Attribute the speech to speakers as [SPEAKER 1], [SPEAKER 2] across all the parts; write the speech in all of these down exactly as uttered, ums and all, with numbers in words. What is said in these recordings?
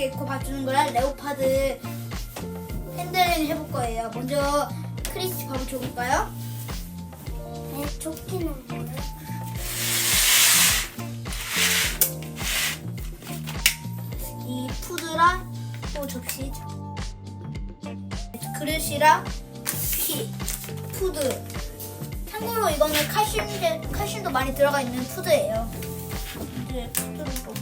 [SPEAKER 1] 개코 밥 주는 거랑 레오파드 핸들링 해볼 거예요. 먼저 크리스티 밥을 줘볼까요?
[SPEAKER 2] 네, 조끼는 뭐예요?
[SPEAKER 1] 이 푸드랑 또 접시, 그릇이랑 피, 푸드. 참고로 이거는 칼슘, 칼슘도 많이 들어가 있는 푸드예요. 이제 푸드를 넣고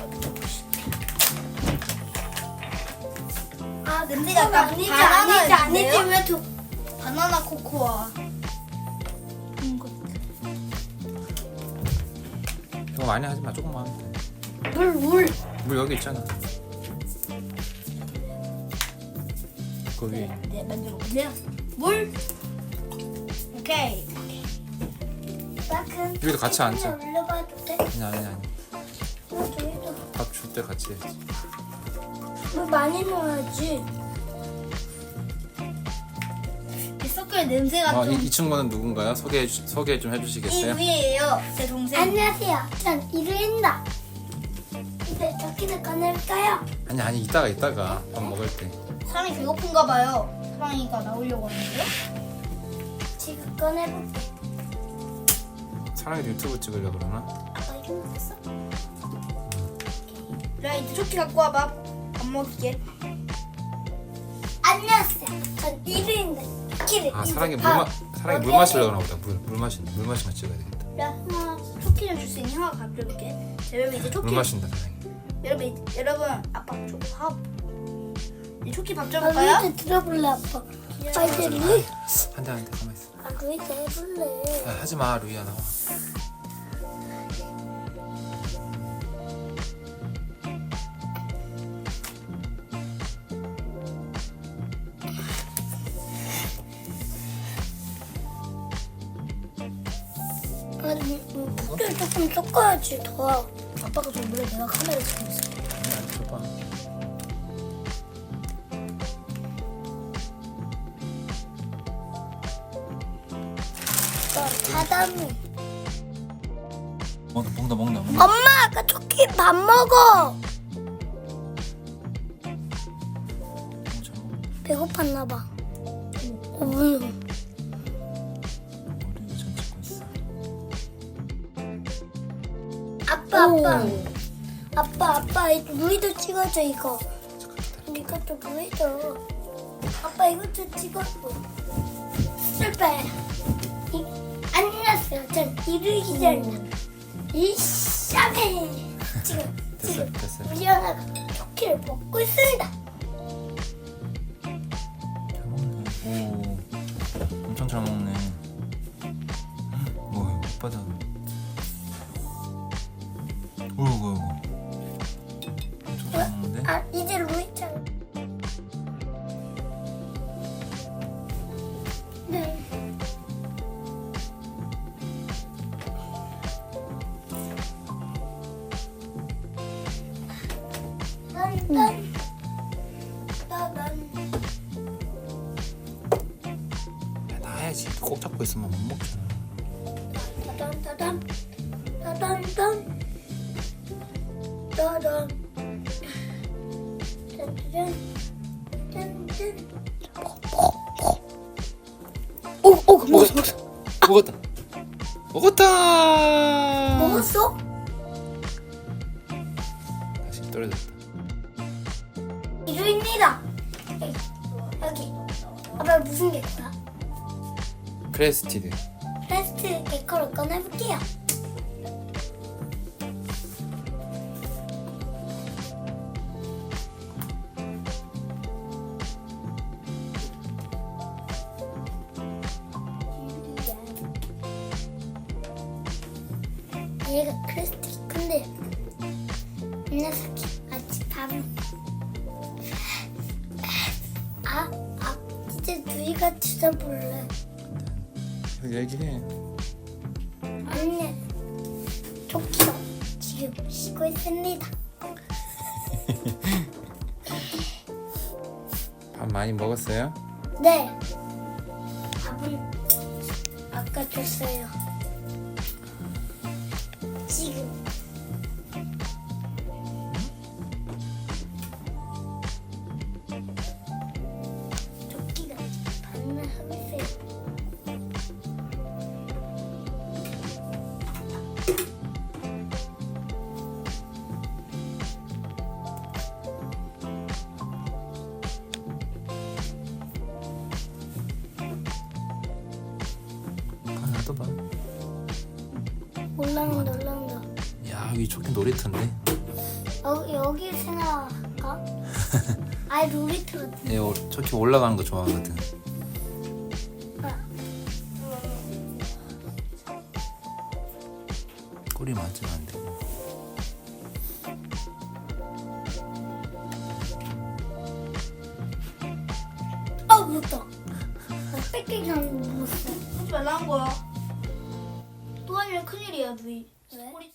[SPEAKER 1] 아 냄새가 약간
[SPEAKER 2] 아니지,
[SPEAKER 1] 바나나
[SPEAKER 2] 아니지, 아니지.
[SPEAKER 1] 있는데요?
[SPEAKER 2] 왜 조...
[SPEAKER 1] 바나나 코코아. 음, 거.
[SPEAKER 3] 이거 많이 하지 마. 조금만 하면 돼.
[SPEAKER 2] 물, 물.
[SPEAKER 3] 물 여기 있잖아. 그 위에.
[SPEAKER 1] 네, 만들어 보세요. 물. 오케이.
[SPEAKER 2] 나 그럼
[SPEAKER 3] 여기도 같이 앉자.
[SPEAKER 2] 올려봐도 돼?
[SPEAKER 3] 아니 아니 아니.
[SPEAKER 2] 어, 저기도
[SPEAKER 3] 밥 줄 때 같이 해야지.
[SPEAKER 2] 물 많이 넣어야지.
[SPEAKER 1] 이 섞을 냄새가
[SPEAKER 3] 어,
[SPEAKER 1] 좀.
[SPEAKER 3] 이, 이 친구는 누군가요? 소개 소개 좀
[SPEAKER 1] 이
[SPEAKER 3] 해주시겠어요?
[SPEAKER 1] 위에요. 제 동생.
[SPEAKER 2] 안녕하세요. 전 이루인다. 이제 조끼를 꺼낼까요?
[SPEAKER 3] 아니 아니 이따가 이따가 밥 먹을 때.
[SPEAKER 1] 사랑이 배고픈가 봐요. 사랑이가 나오려고 하는데요.
[SPEAKER 2] 지금 꺼내볼게.
[SPEAKER 3] 사랑이도 유튜브 찍으려 그러나?
[SPEAKER 2] 아빠 이거 먹었어?
[SPEAKER 1] 야 이제 조끼 갖고 와봐. 밥 먹을게.
[SPEAKER 2] 안녕하세요. 전 이루인다. 조끼를
[SPEAKER 3] 아
[SPEAKER 2] 이제
[SPEAKER 3] 사랑이 물
[SPEAKER 2] 밥
[SPEAKER 3] 마, 사랑이 물
[SPEAKER 2] 어디에
[SPEAKER 3] 마시려고 그러나 보다. 물, 물 마신 물 마시면 찍어야 되겠다.
[SPEAKER 1] 야 하나 조끼 좀 줄 수 있니? 하나 가져올게. 자, 여러분 이제 조끼.
[SPEAKER 3] 물 마신다 사랑이.
[SPEAKER 1] 여러분 이- 여러분 아빠 조밥. 이 조끼 밥
[SPEAKER 2] 아,
[SPEAKER 1] 줘볼까요?
[SPEAKER 2] 루이드 들어볼래 아빠. 아 이제 루이
[SPEAKER 3] 한대 한대 가만 있어.
[SPEAKER 2] 아 루이드 해볼래.
[SPEAKER 3] 야, 하지 마 루이야 나와.
[SPEAKER 2] 아, 음, 물을 조금 섞어야지 더.
[SPEAKER 1] 아빠가 좀 몰래 내가 카메라 찍고 있어.
[SPEAKER 3] 아니야 줘봐.
[SPEAKER 2] 바다미.
[SPEAKER 3] 먹다 먹다 먹다 먹다.
[SPEAKER 2] 엄마 아까 토끼 밥 먹어. 배고팠나 봐. 어, 물.
[SPEAKER 3] 우리 전 찍고 있어.
[SPEAKER 2] 아빠 아빠. 아빠 아빠 이 루이도 찍어줘 이거. 이것도 루이도. 아빠 이것도 찍어줘. 실패. 이, 안녕하세요. 전 이루기자입니다. 이샤베. 지금
[SPEAKER 3] 됐어
[SPEAKER 2] 지금
[SPEAKER 3] 됐어.
[SPEAKER 2] 우리 하나가 토끼를 먹고 있습니다.
[SPEAKER 3] 잘 먹네. 오 엄청 잘 먹네. 오 오빠다. 오이구 오이구. 엄청 잘 먹는데?
[SPEAKER 2] 아 이제 루이짱. 네. 딴딴 따단.
[SPEAKER 3] 야 나야지. 꼭 잡고 있으면 못 먹잖아.
[SPEAKER 2] 따단 따단 따단 따단 따단 짠짠 짠짠.
[SPEAKER 3] 오, 오, 먹었어, 먹었어. 먹었다. 먹었다.
[SPEAKER 2] 먹었어?
[SPEAKER 3] 다시 떨어졌다.
[SPEAKER 2] 이루입니다. 여기 여기. 아빠 무슨 개코야?
[SPEAKER 3] 크레스티드.
[SPEAKER 2] 프레스트 개코를 꺼내볼게요. 얘가 크리스티 근데 이 녀석이 아직 밥은 아, 아 이제 누이가 드셔볼래.
[SPEAKER 3] 얘기해.
[SPEAKER 2] 아니 토끼가 지금 쉬고 있습니다.
[SPEAKER 3] 밥 많이 먹었어요?
[SPEAKER 2] 네 밥은 아까 줬어요. 지금
[SPEAKER 3] 떠봐.
[SPEAKER 2] 올라온다 올라온다.
[SPEAKER 3] 야 여기 좋긴 놀이터인데.
[SPEAKER 2] 여, 여기 생각할까? 아이 놀이터 같은.
[SPEAKER 3] 얘 어, 저렇게 올라가는 거 좋아하거든. 꼬리 맞으면 안 되고.
[SPEAKER 2] 아 무섭다. 나 뺏기기 전에 무섭어.
[SPEAKER 1] 하지 말라는 거야. 또 아니면 큰일이야, 누이.
[SPEAKER 2] 왜?
[SPEAKER 1] 소리